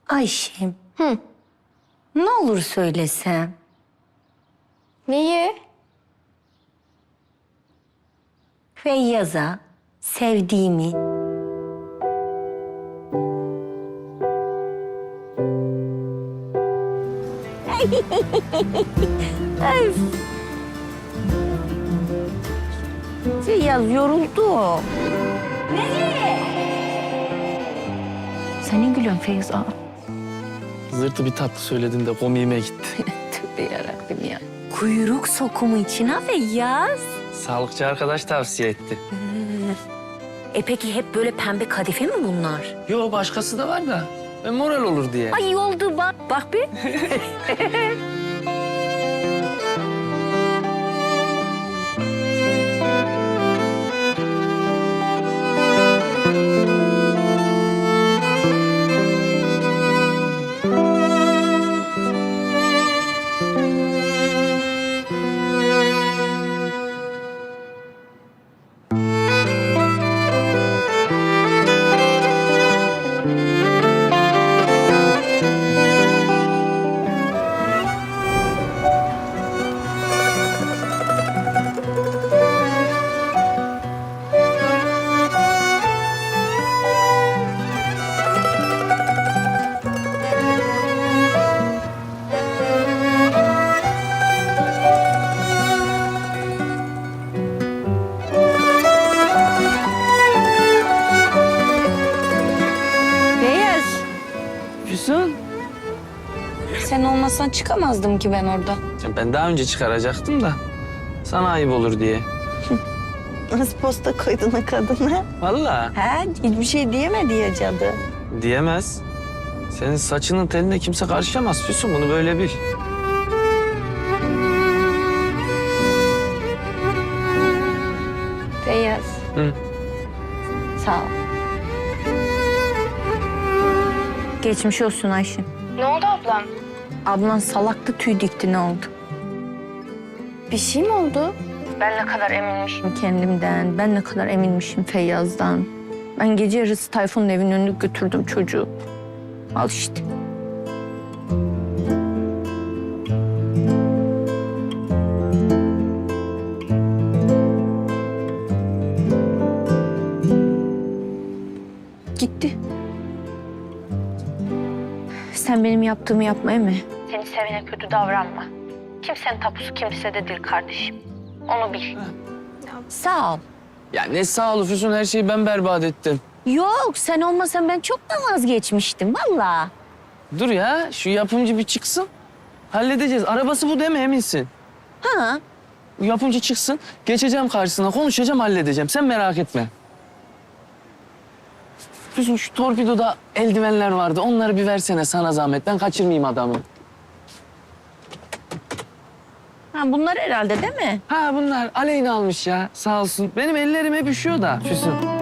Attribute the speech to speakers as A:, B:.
A: Ayşem,
B: Hı.
A: ne olur söylesem.
B: Neyi?
A: Feyyaz'a sevdiğimi. Ay. Feyyaz yoruldu. Nereye? Senin gülüyorsun Feyyaz. Aa.
C: Zırtı bir tatlı söyledin de komiğime gitti.
A: Tövbe yarabbim ya. Kuyruk sokumu için ha Feyyaz.
C: Sağlıkçı arkadaş tavsiye etti.
A: Peki hep böyle pembe kadife mi bunlar?
C: Yo başkası da var da. Moral olur diye.
A: Ay oldu bak. Bak bir. Feyyaz.
C: Füsun.
B: Sen olmasan çıkamazdım ki ben orada.
C: Ben daha önce çıkaracaktım da. Sana ayıp olur diye.
A: Nasıl posta koydun o kadına?
C: Vallahi
A: Ha, hiçbir şey diyemedi ya cadı.
C: diyemez. Senin saçının teline kimse karışamaz Füsun. Bunu böyle bil.
A: Feyyaz.
C: Hı.
A: Sağ ol. Geçmiş olsun Ayşe.
B: Ne oldu ablam?
A: Ablan salaktı tüy dikti ne oldu?
B: Bir şey mi oldu?
A: Ben ne kadar eminmişim kendimden. Ben ne kadar eminmişim Feyyaz'dan. Ben gece yarısı Tayfun'un evinin önüne götürdüm çocuğu. Al işte. Gitti. Sen benim yaptığımı yapma Emi. Seni sevene kötü davranma. Kimsenin tapusu kimsede değil kardeşim. Onu bil. Sağ ol.
C: Ya ne sağ ol Füsun, her şeyi ben berbat ettim.
A: Yok, sen olmasan ben çoktan vazgeçmiştim vallahi.
C: Dur ya, şu yapımcı bir çıksın. Halledeceğiz. Arabası bu değil mi, eminsin?
A: Ha?
C: Bu yapımcı çıksın, geçeceğim karşısına, konuşacağım, halledeceğim. Sen merak etme. Füsun, şu torpidoda eldivenler vardı. Onları bir versene sana zahmet. Ben kaçırmayayım adamı.
A: Ha bunlar herhalde değil mi?
C: Ha bunlar Aleyna almış ya, sağ olsun. Benim ellerim hep üşüyor da Füsun.